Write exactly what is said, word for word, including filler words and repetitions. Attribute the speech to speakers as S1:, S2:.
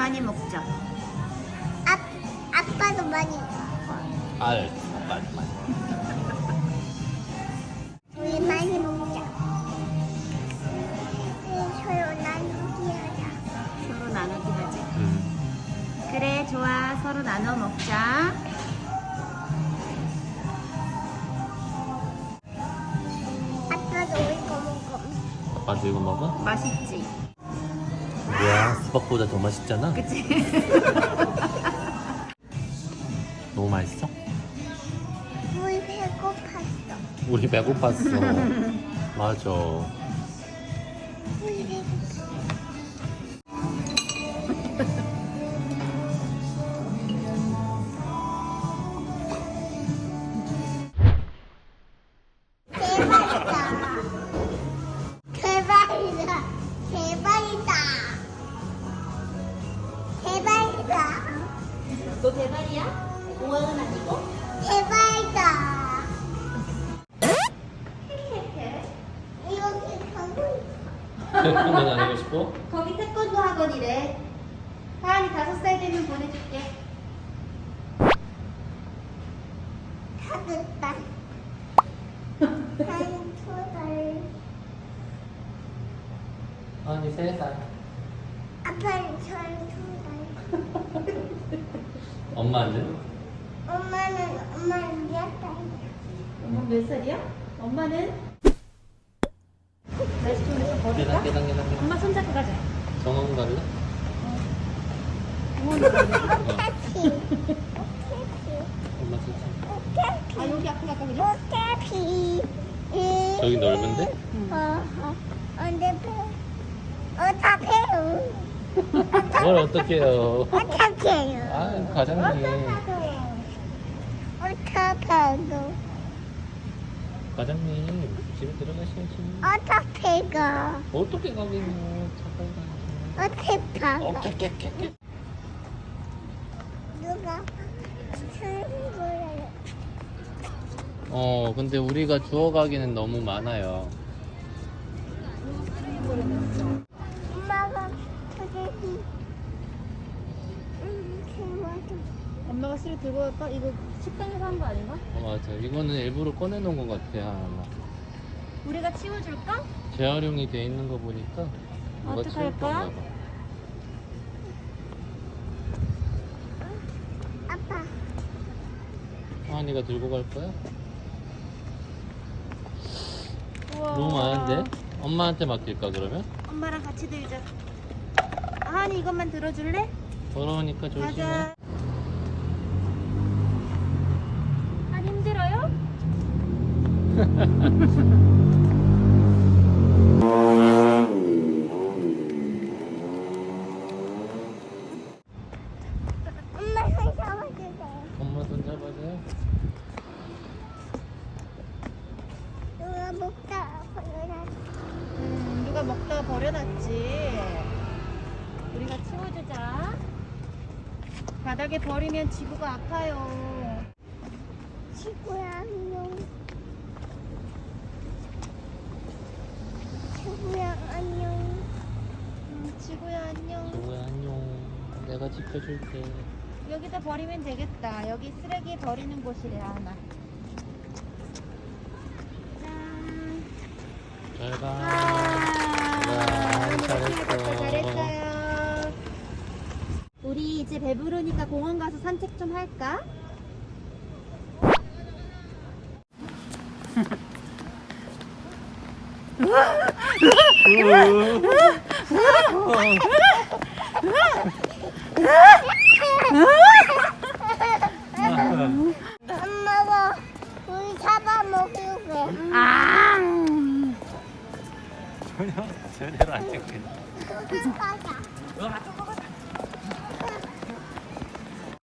S1: 많이 먹자.
S2: 아, 아빠도 많이.
S3: 알 빨리 빨리.
S2: 우리 많이 먹자. 서로 나누기 하자.
S1: 서로 나누기 하지.
S3: 음.
S1: 그래, 좋아. 서로 나눠 먹자.
S2: 아빠도 우리 거 먹어.
S3: 아빠도 이거 먹어?
S1: 맛있지?
S3: 뭐야, 수박보다 더 맛있잖아.
S1: 그치?
S3: 너무 맛있어?
S2: 우리 배고팠어.
S3: 우리 배고팠어. 맞아.
S2: 우리 배고팠어. 대박이다. 대박이다. 대박이다. 대박이다.
S1: 너 대발이야? 오원은 아니고?
S2: 대박이다. 이렇게 가고 있어.
S3: 태권도는 안 하고 싶어?
S1: 거기 태권도 학원이래. 하은이 다섯 살 되면 보내줄게.
S2: 다섯 달. 한 두 달.
S3: 아니, 세 살.
S2: 아빠는 저두 달.
S3: 엄마는?
S2: 엄마는 엄마는 몇 달이야?
S1: 엄마 몇 살이야? 엄마는? 날씨 좋으니까
S3: 계단,
S1: 걸을까?
S3: 계단, 계단, 계단.
S1: 엄마 손잡고 가자.
S3: 정원 갈래?
S1: 공원으로 가자.
S2: 오케피. 오케피.
S3: 엄마 진짜.
S2: 오케피.
S1: 아, 여기 앞에 갈까, 그냥?
S2: 오케피.
S3: 저기 넓은데?
S2: 어, 어, 언제 배? 어, 다 배요.
S3: 뭘 어떡해요.
S2: 어떡해요?
S3: 아, 과장님.
S2: 어떡해요?
S3: 과장님, 집에 들어가셔야지.
S2: 어떻게 가?
S3: 어떻게 가겠노? 잠깐
S2: 어떻게 가?
S3: 가. 오케이, 오케이, 오케이.
S2: 누가 친구를
S3: 어, 근데 우리가 주워가기는 너무 많아요.
S2: 엄마가 저기 음, 친구도
S1: 엄마가 씨를 들고 갈까? 이거 식당에서 한 거 아닌가?
S3: 어, 맞아. 이거는 일부러 꺼내놓은 것 같아, 하나.
S1: 우리가 치워줄까?
S3: 재활용이 돼 있는 거 보니까 누가
S1: 어떡할
S3: 치울
S1: 거야?
S3: 건가 봐.
S2: 아빠
S3: 하은이가 들고 갈 거야?
S1: 우와.
S3: 너무 많은데? 엄마한테 맡길까 그러면?
S1: 엄마랑 같이 들자. 하은이 이것만 들어줄래?
S3: 더러우니까 조심해.
S1: 가자. 한 힘들어요?
S2: 엄마 손 잡아주세요.
S3: 엄마 손 잡아줘요.
S2: 누가 먹다 버려놨어.
S1: 음, 누가 먹다가 버려놨지. 우리가 치워주자. 바닥에 버리면 지구가 아파요.
S2: 친구야 안녕. 친구야 안녕.
S1: 음, 지구야 안녕.
S3: 뭐야, 안녕. 내가 지켜줄게.
S1: 여기다 버리면 되겠다. 여기 쓰레기 버리는 곳이래, 하나. 짠.
S3: 잘 가.
S1: 아,
S3: 와,
S1: 잘했어.
S3: 잘했어.
S1: 잘했어요. 우리 이제 배부르니까 공원 가서 산책 좀 할까?
S2: 엄마가 우리 잡아먹으게.
S1: 아.
S3: 전혀 제대로 안 찍혀.
S2: 그거 가자.